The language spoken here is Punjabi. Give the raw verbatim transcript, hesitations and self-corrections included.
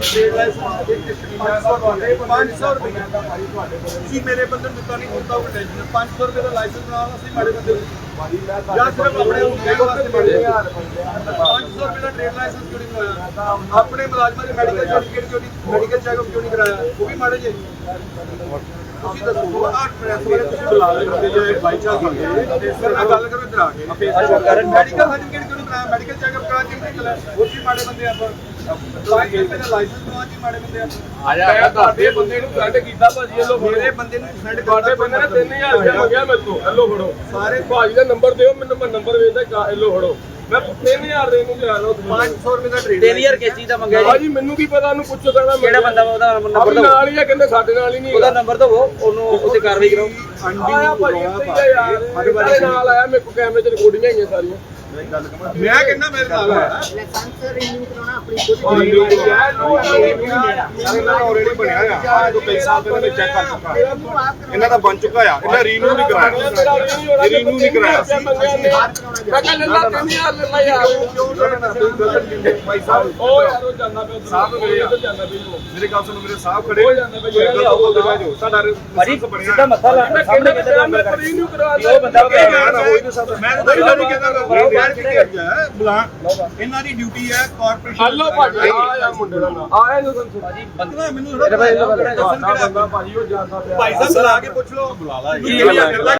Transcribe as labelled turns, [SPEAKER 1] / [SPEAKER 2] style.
[SPEAKER 1] ट्रेड लाइसेंस पाँच सौ रुपये ਤੁਸੀਂ ਮੇਰੇ ਬੰਦੇ ਨੂੰ ਦਿੱਤਾ ਨਹੀਂ ਹੁੰਦਾ ਉਹ ਟੈਨਸ਼ਨ पाँच सौ रुपये ਦਾ ਲਾਇਸੈਂਸ ਬਣਾਉਣਾ ਅਸੀਂ ਮਾੜੇ ਬੰਦੇ ਨੂੰ ਜਾਂ ਸਿਰਫ ਆਪਣੇ ਨੂੰ ਕਹਿਣ ਵਾਸਤੇ ਮਾੜੇ पाँच सौ रुपये ਦਾ ਟ੍ਰੇਡ ਲਾਇਸੈਂਸ ਕਿਉਂ ਨਹੀਂ ਬਣਾਇਆ ਆਪਣੇ ਮੁਲਾਜ਼ਮਾਂ ਦੇ ਮੈਡੀਕਲ ਸਰਟੀਫਿਕੇਟ ਕਿਉਂ ਨਹੀਂ ਮੈਡੀਕਲ ਚੈੱਕਅਪ ਕਿਉਂ ਨਹੀਂ ਕਰਾਇਆ ਉਹ ਵੀ ਮਾੜੇ ਜੇ ਤੁਸੀਂ ਦੱਸੋ ਆਹ ਪ੍ਰੈਸ ਵਾਲੇ ਤੁਸੀਂ ਬੁਲਾ ਲੈਂਦੇ ਜੇ ਬਾਈ ਚਾਂਸ ਹੁੰਦੇ ਇਸ ਨਾਲ ਗੱਲ ਕਰੋ ਇੱਧਰ ਆ ਕੇ ਮੈਡੀਕਲ ਸਰਟੀਫਿਕੇਟ ਕਿਉਂ ਨਹੀਂ ਕਰਾਇਆ ਮੈਡੀਕਲ ਚੈੱਕਅਪ ਕਰਾ ਕੇ ਨਿਕਲਿਆ ਉਹ ਵੀ ਮਾੜੇ ਬੰਦੇ ਆਪਾਂ ਲਾਇਸੈਂਸ ਬਣਾਉਣ ਦੀ ਮਾੜੇ ਬੰਦੇ ਆਪਾਂ ਆ ਜਾ ਤੁਹਾਡੇ ਬੰਦੇ ਨੂੰ ਸੈਂਡ ਕੀਤਾ ਭਾਜੀ ਇਹ ਲੋ ਮੇਰੇ ਬੰਦੇ ਨੂੰ ਸੈਂਡ ਤੁਹਾਡੇ ਬੰਦੇ ਨੇ ਤਿੰਨ ਹਜ਼ਾਰ ਰੁਪਏ ਮੰਗਿਆ ਮੇਰੇ ਤੋਂ ਇਹ ਲੋ ਫੜੋ ਸਾਰੇ ਭਾਜੀ ਦਾ ਨੰਬਰ ਦਿਓ ਮੈਨੂੰ ਮੈਂ ਨੰਬਰ ਵੇਚਦਾ ਇਹ ਲੋ ਫੜੋ ਮੈਂ ਤਿੰਨ ਹਜ਼ਾਰ ਦੇ ਨੂੰ ਜਾ ਲਓ पाँच सौ रुपਏ ਦਾ ਟ੍ਰੇਡ
[SPEAKER 2] ਤਿੰਨ ਹਜ਼ਾਰ ਕਿਸ ਚੀਜ਼ ਦਾ ਮੰਗਿਆ ਜੀ
[SPEAKER 1] ਭਾਜੀ ਮੈਨੂੰ ਕੀ ਪਤਾ ਉਹਨੂੰ ਪੁੱਛੋ ਕਹਿੰਦਾ
[SPEAKER 2] ਕਿਹੜਾ ਬੰਦਾ ਉਹਦਾ ਨੰਬਰ ਦਿਓ
[SPEAKER 1] ਨਾਲ ਹੀ ਆ ਕਹਿੰਦੇ ਸਾਡੇ ਨਾਲ ਹੀ ਨਹੀਂ
[SPEAKER 2] ਉਹਦਾ ਨੰਬਰ ਦਿਓ ਉਹਨੂੰ ਉੱਤੇ ਕਾਰਵਾਈ ਕਰਾਓ
[SPEAKER 1] ਆਇਆ ਭਾਜੀ ਯਾਰ ਨਾਲ ਆਇਆ ਮੇਰੇ ਕੋਲ ਕੈਮਰੇ 'ਚ ਰਿਕਾਰਡਿੰਗਾਂ ਆਈਆਂ ਸਾਰੀਆਂ ਮੈਂ ਕਹਿੰਦਾ ਮੇਰੇ ਨਾਲ ਆਇਆ
[SPEAKER 3] ਲਾਇਸੈਂਸ ਰਿਨਿਊ ਕਰਾਉਣਾ ਆਪਣੀ ਖੁਦ
[SPEAKER 1] ਆਲਰੇਡੀ ਬਣਿਆ ਆ ਆ ਤੋਂ ਕਈ ਸਾਲ ਪਹਿਲਾਂ ਮੈਂ ਚੈੱਕ ਕਰ ਚੁੱਕਾ ਇਹਨਾਂ ਦਾ ਬਣ ਚੁੱਕਾ ਆ ਇਹਨਾਂ ਰੀਨਿਊ ਨਹੀਂ ਕਰਾਇਆ ਰੀਨਿਊ ਨਹੀਂ ਕਰਾਇਆ
[SPEAKER 3] ਮੈਂ
[SPEAKER 1] ਕਹਿੰਦਾ ਲੱਲਾ ਤਿੰਨ ਹਜ਼ਾਰ ਲੈ ਯਾਰ ਕਿਉਂ ਕਰਨਾ ਤੁਸੀਂ ਗਲਤ ਦਿੰਦੇ ਭਾਈ ਸਾਹਿਬ ਉਹ ਯਾਰ ਉਹ ਜਾਂਦਾ ਪਿਆ ਸਾਹਿਬ ਮੇਰੇ ਜਾਂਦਾ ਪਿਆ ਮੇਰੇ ਗੱਲ ਸੁਣੋ ਮੇਰੇ ਸਾਹਿਬ ਖੜੇ ਹੋ ਜਾਂਦਾ ਪਿਆ ਸਾਡਾ
[SPEAKER 2] ਭਾਜੀ ਸਿੱਧਾ ਮੱਥਾ ਲਾ ਸਾਹਮਣੇ ਕਿਤੇ
[SPEAKER 1] ਮੈਂ ਰੀਨਿਊ ਕਰਵਾ
[SPEAKER 2] ਉਹ ਬੰਦਾ
[SPEAKER 1] ਮੈਂ ਤਾਂ ਨਹੀਂ ਕਹਿੰਦਾ ਬੁਲਾ ਇਹਨਾਂ ਦੀ ਡਿਊਟੀ ਹੈ ਕਾਰਪੋਰੇਸ਼ਨ ਹਲੋ ਭਾਜੀ ਆ ਮੁੰਡੇ ਦਾ ਨਾਮ ਆਇਆ ਨੂੰ ਭਾਜੀ ਬੰਦਾ ਮੈਨੂੰ ਥੋੜਾ ਭਾਈ ਉਹ ਜਾਂਦਾ ਪਿਆ ਭਾਈ ਸਾਹਿਬ ਬੁਲਾ ਕੇ ਪੁੱਛ ਲਓ ਬੁਲਾ ਲਾ